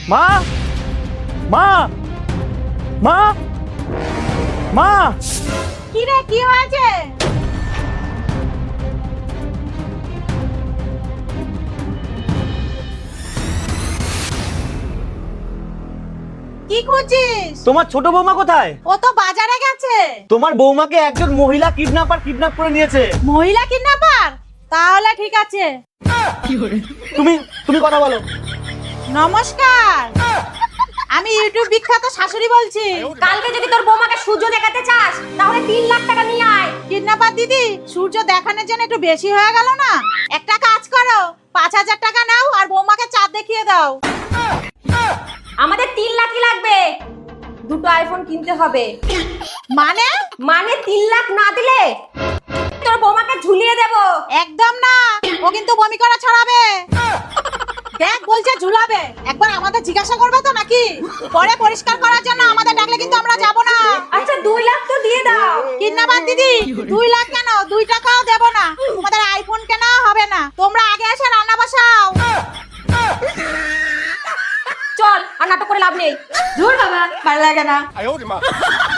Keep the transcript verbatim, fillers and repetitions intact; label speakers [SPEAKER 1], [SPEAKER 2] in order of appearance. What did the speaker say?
[SPEAKER 1] মা মা মা মা
[SPEAKER 2] কি রে, কি হয়েছে? কি খুঁজছিস?
[SPEAKER 1] তোমার ছোট বৌমা কোথায়?
[SPEAKER 2] ও তো বাজারে গেছে।
[SPEAKER 1] তোমার বৌমাকে একজন মহিলা কিডন্যাপার কিডন্যাপ করে নিয়েছে।
[SPEAKER 2] মহিলা কিডন্যাপার? তাহলে ঠিক আছে।
[SPEAKER 1] তুমি তুমি কথা বলো।
[SPEAKER 2] নমস্কার, আমি ইউটিউব বিখ্যাত শাশুড়ি বলছি।
[SPEAKER 3] কালকে যদি তোর বৌমাকে সূর্য দেখাতে চাস তাহলে তিন লাখ টাকা নিয়ে আয়।
[SPEAKER 2] কিডন্যাপার দিদি, সূর্য দেখানোর জন্য একটু বেশি হয়ে গেল না? একটা কাজ করো, পাঁচ হাজার টাকা নাও আর বৌমাকে চাঁদ দেখিয়ে দাও।
[SPEAKER 3] আমাদের তিন লাখই লাগবে, দুটো আইফোন কিনতে হবে।
[SPEAKER 2] মানে?
[SPEAKER 3] মানে তিন লাখ না দিলে তোর বৌমাকে ঝুলিয়ে দেব।
[SPEAKER 2] একদম না, ও কিন্তু বমি করা ছড়াবে। দেখ বলছে ঝুলাবে, একবার আমাদের জিজ্ঞাসা করবে তো নাকি? পরে পরিষ্কার করার জন্য আমাদের ডাকলে কিন্তু আমরা যাব না।
[SPEAKER 3] আচ্ছা দুই লাখ তো দিয়ে দাও।
[SPEAKER 2] কিডন্যাপার দিদি, দুই লাখ কেন, দুই টাকাও দেব না। তোমাদের আইফোন কেনা হবে না, তোমরা আগে এসে রান্না বসাও।
[SPEAKER 3] চল, আর নাটক করে লাভ নেই।
[SPEAKER 2] ধুর বাবা, ভালো লাগে না।